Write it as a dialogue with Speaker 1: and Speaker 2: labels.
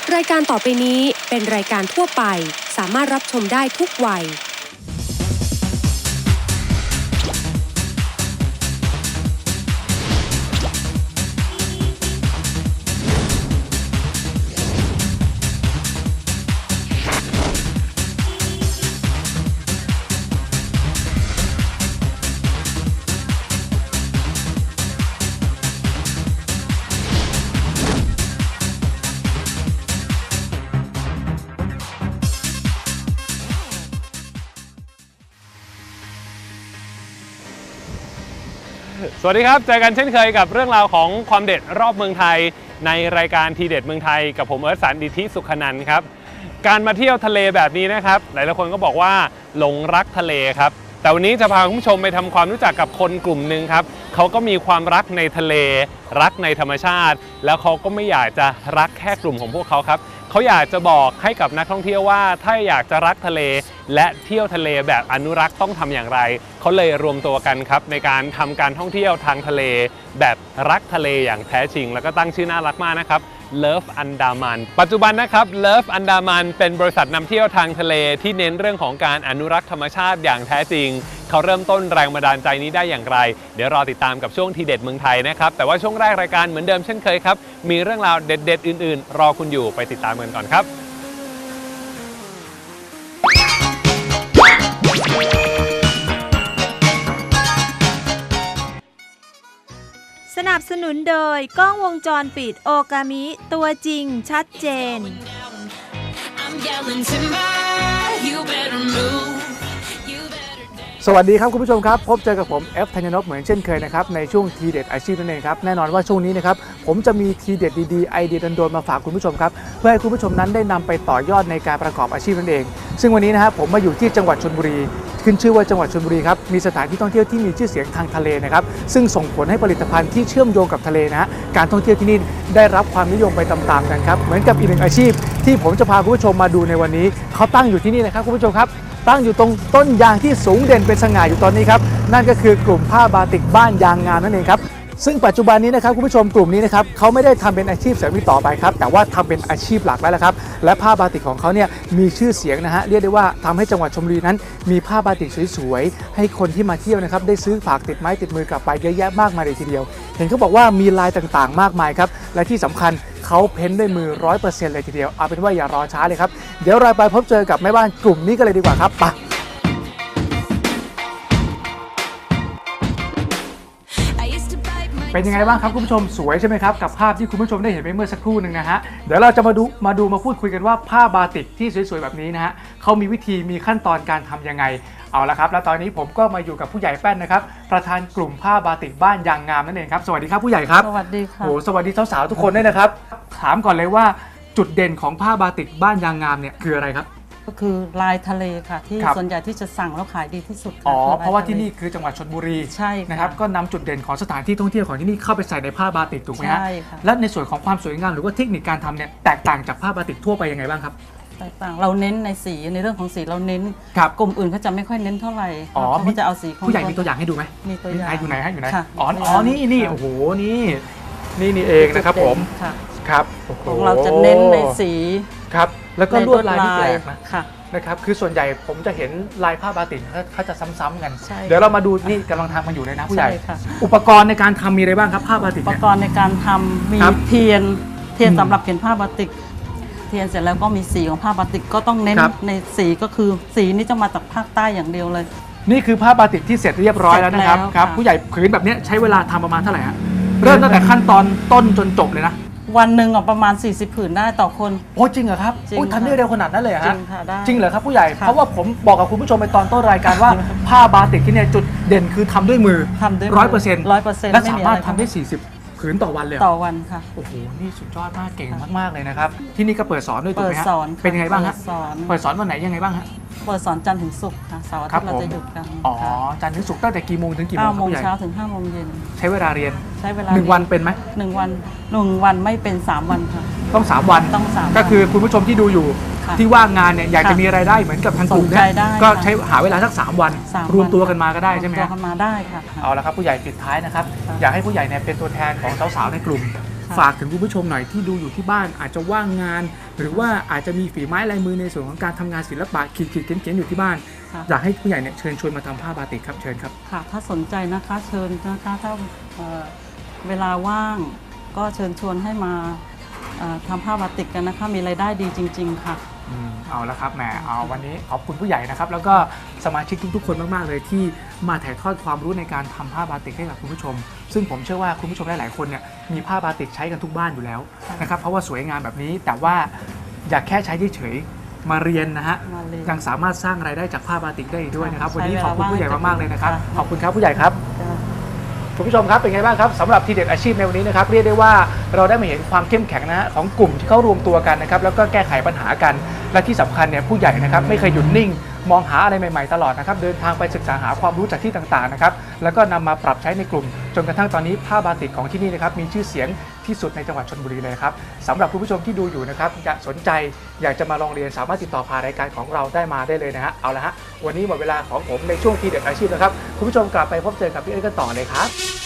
Speaker 1: รายการต่อไปนี้เป็นรายการทั่วไปสามารถรับชมได้ทุกวัย
Speaker 2: สวัสดีครับเจอกันเช่นเคยกับเรื่องราวของความเด็ดรอบเมืองไทยในรายการทีเด็ดเมืองไทยกับผมเอิร์ธ สันต์ ดิษฐิสุขนันท์ครับการมาเที่ยวทะเลแบบนี้นะครับหลายๆคนก็บอกว่าหลงรักทะเลครับแต่วันนี้จะพาคุณผู้ชมไปทำความรู้จักกับคนกลุ่มหนึ่งครับเขาก็มีความรักในทะเลรักในธรรมชาติแล้วเขาก็ไม่อยากจะรักแค่กลุ่มของพวกเขาครับเขาอยากจะบอกให้กับนักท่องเที่ยวว่าถ้าอยากจะรักทะเลและเที่ยวทะเลแบบอนุรักษ์ต้องทำอย่างไรเขาเลยรวมตัวกันครับในการทำการท่องเที่ยวทางทะเลแบบรักทะเลอย่างแท้จริงแล้วก็ตั้งชื่อน่ารักมากนะครับ Love Andaman ปัจจุบันนะครับ Love Andaman เป็นบริษัทนำเที่ยวทางทะเลที่เน้นเรื่องของการอนุรักษ์ธรรมชาติอย่างแท้จริงเขาเริ่มต้นแรงบันดาลใจนี้ได้อย่างไรเดี๋ยวรอติดตามกับช่วงทีเด็ดเมืองไทยนะครับแต่ว่าช่วงแรกรายการเหมือนเดิมเช่นเคยครับมีเรื่องราวเด็ดๆอื่นๆรอคุณอยู่ไปติดตามกันก่อนครับ
Speaker 3: สนับสนุนโดยกล้องวงจรปิดโอกามิตัวจริงชัดเจน
Speaker 4: สวัสดีครับคุณผู้ชมครับพบเจอกับผมเอฟธัญญนพเหมือนเช่นเคยนะครับในช่วงทีเด็ดอาชีพนั่นเองครับแน่นอนว่าช่วงนี้นะครับผมจะมีทีเด็ดดีๆไอเดียโดนๆมาฝากคุณผู้ชมครับเพื่อให้คุณผู้ชมนั้นได้นำไปต่อยอดในการประกอบอาชีพนั่นเองซึ่งวันนี้นะครับผมมาอยู่ที่จังหวัดชลบุรีขึ้นชื่อว่าจังหวัดชลบุรีครับมีสถานที่ท่องเที่ยวที่มีชื่อเสียงทางทะเลนะครับซึ่งส่งผลให้ผลิตภัณฑ์ที่เชื่อมโยงกับทะเลนะฮะการท่องเที่ยวที่นี่ได้รับความนิยมไปตามๆกันครับเหมือนกับอีกหนึ่งอาชีพที่ผมจะพาคุณผู้ชมมาดูในวันนี้เขาตั้งอยู่ที่นี่นะครับคุณผู้ชมครับตั้งอยู่ตรงต้นยางที่สูงเด่นเป็นสง่าอยู่ตอนนี้ครับนั่นก็คือกลุ่มผ้าบาติกบ้านยางงามนั่นเองครับซึ่งปัจจุบันนี้นะครับคุณผู้ชมกลุ่มนี้นะครับเขาไม่ได้ทำเป็นอาชีพเสริมอีกต่อไปครับแต่ว่าทำเป็นอาชีพหลักแล้วละครับและผ้าบาติกของเขาเนี่ยมีชื่อเสียงนะฮะเรียกได้ว่าทำให้จังหวัดชลบุรีนั้นมีผ้าบาติกสวยๆให้คนที่มาเที่ยวนะครับได้ซื้อฝากติดไม้ติดมือกลับไปเยอะแยะมากมายเลยทีเดียวเห็นเขาบอกว่ามีลายต่างๆมากมายครับและที่สำคัญเขาเพ้นด้วยมือ 100% เลยทีเดียวเอาเป็นว่าอย่ารอช้าเลยครับเดี๋ยวเราไปพบเจอกับแม่บ้านกลุ่มนี้กันเลยดีกว่าครับไปเป็นยังไงบ้างครับคุณผู้ชมสวยใช่ไหมครับกับภาพที่คุณผู้ชมได้เห็นไปเมื่อสักครู่หนึ่งนะฮะเดี๋ยวเราจะมาพูดคุยกันว่าผ้าบาติกที่สวยๆแบบนี้นะฮะเขามีวิธีมีขั้นตอนการทำยังไงเอาละครับแล้วตอนนี้ผมก็มาอยู่กับผู้ใหญ่แป้นนะครับประธานกลุ่มผ้าบาติกบ้านยางงามนั่นเองครับสวัสดีครับผู้ใหญ่ครับ
Speaker 5: สวัสดีค่ะ
Speaker 4: โอ้สวัสดีสาวๆทุกคนด้วยนะครับถามก่อนเลยว่าจุดเด่นของผ้าบาติกบ้านยางงามเนี่ยคืออะไรครับ
Speaker 5: ก็คือลายทะเลค่ะที่ส่วนใหญ่ที่จะสั่งแล้วขายดีที่สุด
Speaker 4: อ๋อเพราะว่าที่นี่คือจังหวัดชลบุรี
Speaker 5: ใช่
Speaker 4: นะครับก็นำจุดเด่นของสถานที่ท่องเที่ยวของที่นี่เข้าไปใส่ในผ้าบาติกถูกไหมฮะ
Speaker 5: ใช่ค่ะ
Speaker 4: และในส่วนของความสวยงามหรือว่าเทคนิคการทำเนี่ยแตกต่างจากผ้าบาติกทั่วไปยังไงบ้างครับ
Speaker 5: แตกต่างเราเน้นในสีในเรื่องของสีเราเน้นกลุ่มอื่นเขาจะไม่ค่อยเน้นเท่าไหร่เขาจะเอาสีของ
Speaker 4: ผู้ใหญ่มีตัวอย่างให้ดูไหม
Speaker 5: มีตัวอย่าง
Speaker 4: อยู่ไหนฮะอยู่ไหน
Speaker 5: อ๋
Speaker 4: อนี่โอ้โหนี่เองนะครับผมครับ
Speaker 5: ของเราจะเน้นในสี
Speaker 4: ครับแล้วก็ลวดลายที่แปลกนะ
Speaker 5: ค่ะ
Speaker 4: นะครับคือส่วนใหญ่ผมจะเห็นลายผ้าบาติกเขาจะซ้ำๆกันเดี๋ยวเรามาดูนี่กำลังทำมันอยู่เลยนะผู้ใหญ่อุปกรณ์ในการทำมีอะไรบ้างครับผ้าบาติก
Speaker 5: อุปกรณ์ในการทำมีเทียนสำหรับเขียนผ้าบาติกเทียนเสร็จแล้วก็มีสีของผ้าบาติกก็ต้องเน้นในสีก็คือสีนี้จะมาจากภาคใต้อย่างเดียวเลย
Speaker 4: นี่คือผ้าบาติกที่เสร็จเรียบร้อยแล้วนะครับผู้ใหญ่ผืนแบบนี้ใช้เวลาทำประมาณเท่าไหร่ฮะเริ่มตั้งแต่ขั้นตอนต้นจนจบเลยนะ
Speaker 5: วันหนึ่งประมาณ40ผืนได้ต่อคน
Speaker 4: โอ้จริงเหรอครับทำได้เร็วขนาดนั้นเลยฮะ
Speaker 5: จริงค่ะได้
Speaker 4: จริงเหรอครับผู้ใหญ่เพราะว่าผมบอกกับคุณผู้ชมไปตอนต้นรายการว่าผ้าบาติกที่เนี่ยจุดเด่นคือทำด้วยมือ100%และสามารถทำได้40ผืนต่อวันเลย
Speaker 5: ต่อวันค่ะ
Speaker 4: โอ้โหนี่สุดยอดมากเก่งมากๆเลยนะครับที่นี่ก็เปิดสอนด้วยถูกไหมฮะเป็นยังไงบ้างฮะเปิดสอนวันไหนยังไงบ้างฮะ
Speaker 5: เปิดสอนจันทร์ถึงศุกร์ค่ะเสาร์อาทิตย์เราจะหยุดกัน
Speaker 4: อ๋อจันทร์ถึงศุกร์ตั้งแต่กี่โมงถึงกี่โมง
Speaker 5: 9 โมงเช้าถึง5 โมงเย็น
Speaker 4: ใช้เวลาเรียน
Speaker 5: ใช้เวลา
Speaker 4: 1 วันเป็นไหม
Speaker 5: 1 วันไม่เป็น3 วันค่ะ
Speaker 4: ต้อง3 วันก็คือคุณผู้ชมที่ดูอยู่ที่ว่างงานเนี่ยอยากจะมีรายได้เหมือนกับทางกลุ่มเนี่ยก็ใช้หาเวลาสัก3 วันรวมตัวกันมาก็ได้ใช่ไหม
Speaker 5: รวมตัวกันมาได้ค่ะ
Speaker 4: เอาละครับผู้ใหญ่ปิดท้ายนะครับอยากให้ผู้ใหญ่เนี่ยเป็นตัวแทนของสาวๆในกลุ่มฝากถึงคุณผู้ชมหน่อยที่ดูอยู่ที่บ้านอาจจะว่างงาน หรือว่าอาจจะมีฝีไม้ลายมือในส่วนของการทำงานศิลปะขีดเขียนอยู่ที่บ้าน
Speaker 5: ค่ะ
Speaker 4: อยากให้ผู้ใหญ่เนี่ยเชิญชวนมาทำผ้าบาติกครับเชิญครับ
Speaker 5: ค่ะถ้าสนใจนะคะเชิญนะคะถ้าเวลาว่างก็เชิญชวนให้มาทำผ้าบาติกกันนะคะมีรายได้ดีจริง ๆ ค่ะ
Speaker 4: เอาละครับแหมเอาวันนี้ขอบคุณผู้ใหญ่นะครับแล้วก็สมาชิกทุกๆคนมากๆเลยที่มาถ่ายทอดความรู้ในการทำผ้าบาติกให้กับคุณผู้ชม ซึ่งผมเชื่อว่าคุณผู้ชมหลายๆคนเนี่ยมีผ้าบาติกใช้กันทุกบ้านอยู่แล้วนะครับเพราะว่าสวยงามแบบนี้แต่ว่าอยากแค่ใช้เฉยๆมาเรียนนะฮะ
Speaker 5: มาเรียน
Speaker 4: ยังสามารถสร้างรายได้จากผ้าบาติกได้อีกด้วยนะครับ
Speaker 5: ใช้
Speaker 4: วันนี้ขอบคุณผู้ใหญ่มากๆเลยนะครับ
Speaker 5: เวลาว่าง
Speaker 4: ขอบคุณครับผู้ใหญ่ครับ
Speaker 5: ค่ะ
Speaker 4: คุณผู้ชมครับเป็นไงบ้างครับสำหรับทีเด็ดอาชีพในวันนี้นะครับเรียกได้ว่าเราได้มาเห็นความเข้มแข็งนะฮะของกลุ่มที่เขารวมตัวกันนะครับแล้วก็แก้ไขปัญหากันและที่สำคัญเนี่ยผู้ใหญ่นะครับไม่เคยหยุดนิ่ง มองหาอะไรใหม่ๆตลอดนะครับเดินทางไปศึกษาหาความรู้จากที่ต่างๆนะครับแล้วก็นำมาปรับใช้ในกลุ่มจนกระทั่งตอนนี้ผ้าบาติกของที่นี่นะครับมีชื่อเสียงที่สุดในจังหวัดชลบุรีเลยครับสำหรับคุณผู้ชมที่ดูอยู่นะครับอยากสนใจอยากจะมาลองเรียนสามารถติดต่อผ่านรายการของเราได้มาได้เลยนะฮะเอาละฮะวันนี้หมดเวลาของผมในช่วงทีเด็ดอาชีพนะครับคุณผู้ชมกลับไปพบเจอกับพี่เอิร์ธกันต่อเลยครับ